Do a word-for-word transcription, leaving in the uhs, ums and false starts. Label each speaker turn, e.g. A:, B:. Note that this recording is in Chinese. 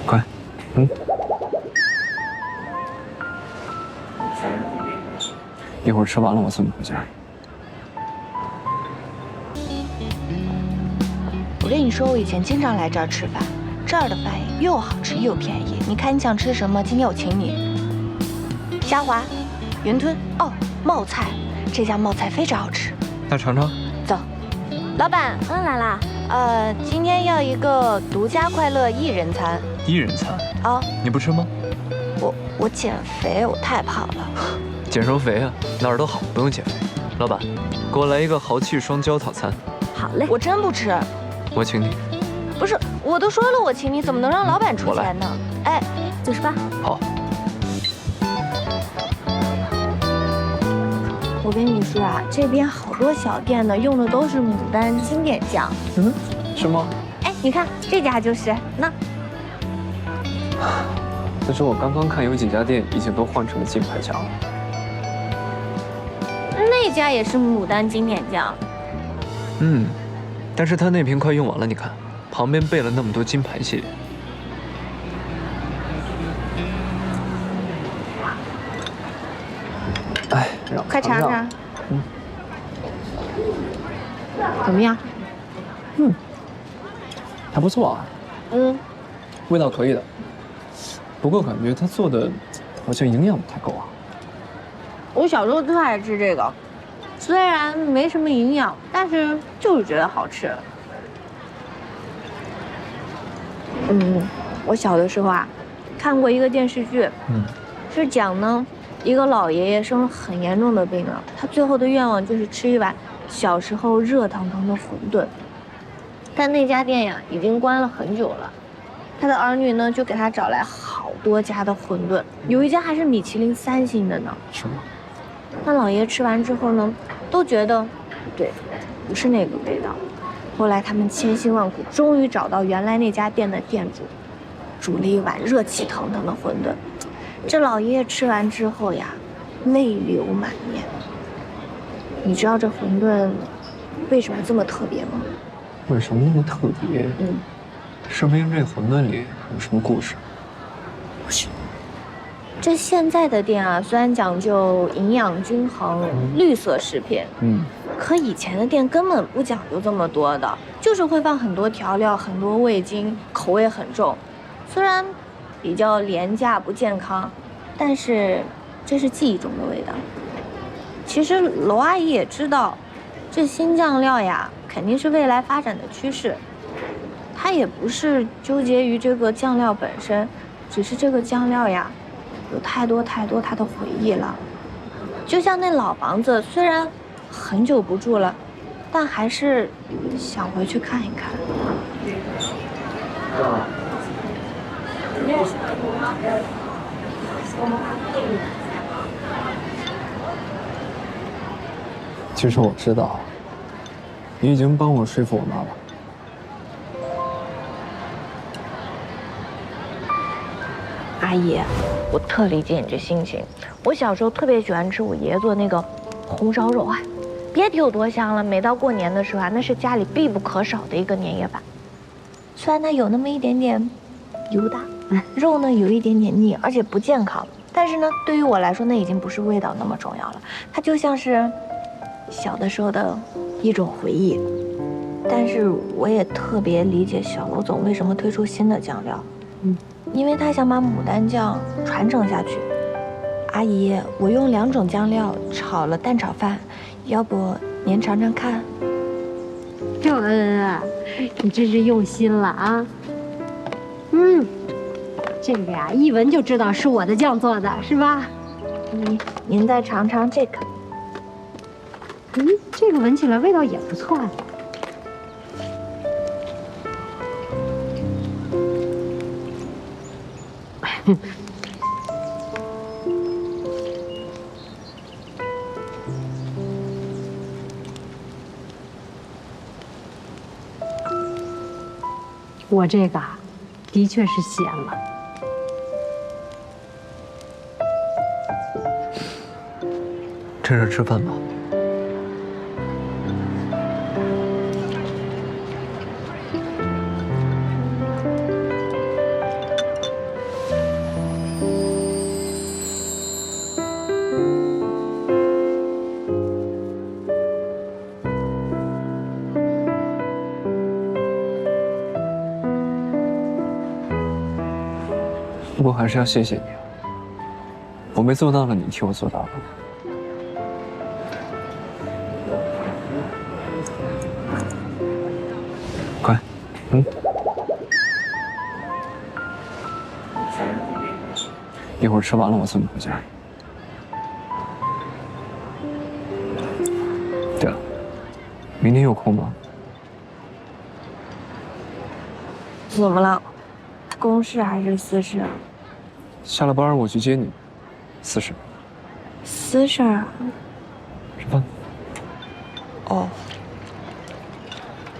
A: 快，嗯。一会儿吃完了我送你回家。
B: 我跟你说，我以前经常来这儿吃饭，这儿的饭又好吃又便宜。你看你想吃什么？今天我请你。虾滑、云吞哦，冒菜，这家冒菜非常好吃。
A: 那尝尝。
B: 走，老板，
C: 嗯，来啦。
B: 呃，今天要一个独家快乐一人餐。
A: 一人餐
B: 啊？
A: 你不吃吗？
B: 我我减肥，我太胖了。
A: 减什么肥啊？哪儿都好，不用减肥。老板，给我来一个豪气双椒套餐。
C: 好嘞。
B: 我真不吃。
A: 我请你。
B: 不是，我都说了我请你，怎么能让老板出钱呢？哎，
C: 九十八。
A: 好。
B: 我跟你说啊，这边好多小店呢，用的都是牡丹经典酱。
A: 嗯，是吗？
B: 哎，你看这家就是那。
A: 可是我刚刚看有几家店已经都换成了金牌酱了。
B: 那家也是牡丹经典酱。
A: 嗯，但是他那瓶快用完了，你看旁边备了那么多金牌系列。哎，让
B: 快尝尝。
A: 嗯。
B: 怎么样？
A: 嗯，还不错啊。
B: 嗯，
A: 味道可以的。不过感觉他做的好像营养不太够啊。
B: 我小时候特爱吃这个，虽然没什么营养，但是就是觉得好吃。嗯，我小的时候啊，看过一个电视剧，嗯，是讲呢，一个老爷爷生了很严重的病了，他最后的愿望就是吃一碗小时候热腾腾的馄饨，但那家店呀已经关了很久了。他的儿女呢，就给他找来好多家的馄饨，有一家还是米其林三星的呢。
A: 是吗？
B: 那老爷吃完之后呢，都觉得不对，不是那个味道。后来他们千辛万苦，终于找到原来那家店的店主，煮了一碗热气腾腾的馄饨。这老爷爷吃完之后呀，泪流满面。你知道这馄饨为什么这么特别吗？
A: 为什么那么特别？嗯。说明这馄饨里有什么故事？
B: 不是，这现在的店啊，虽然讲究营养均衡、嗯、绿色食品，嗯，可以前的店根本不讲究这么多的，就是会放很多调料、很多味精，口味很重。虽然比较廉价不健康，但是这是记忆中的味道。其实娄阿姨也知道，这新酱料呀，肯定是未来发展的趋势。他也不是纠结于这个酱料本身，只是这个酱料呀，有太多太多他的回忆了。就像那老房子，虽然很久不住了，但还是想回去看一看。
A: 其实我知道，你已经帮我说服我妈了。
B: 阿姨，我特理解你这心情。我小时候特别喜欢吃我爷爷做那个红烧肉啊，别提有多香了。每到过年的时候啊，那是家里必不可少的一个年夜饭。虽然它有那么一点点油大，肉呢有一点点腻，而且不健康，但是呢，对于我来说，那已经不是味道那么重要了。它就像是小的时候的一种回忆。但是我也特别理解小娄总为什么推出新的酱料，嗯。因为他想把牡丹酱传承下去。阿姨，我用两种酱料炒了蛋炒饭，要不您尝尝看？
C: 秀恩啊，你真是用心了啊！嗯，这个呀，一闻就知道是我的酱做的，是吧？
B: 您您再尝尝这个。
C: 嗯，这个闻起来味道也不错啊。我这个的确是咸了。
A: 趁热吃饭吧。 不过还是要谢谢你啊，我没做到了，你替我做到了。快，嗯。一会儿吃完了，我送你回家。对了，明天有空吗？
B: 怎么了？公事还是私事？
A: 下了班我去接你。私事。
B: 私事啊？
A: 吃饭。
B: 哦。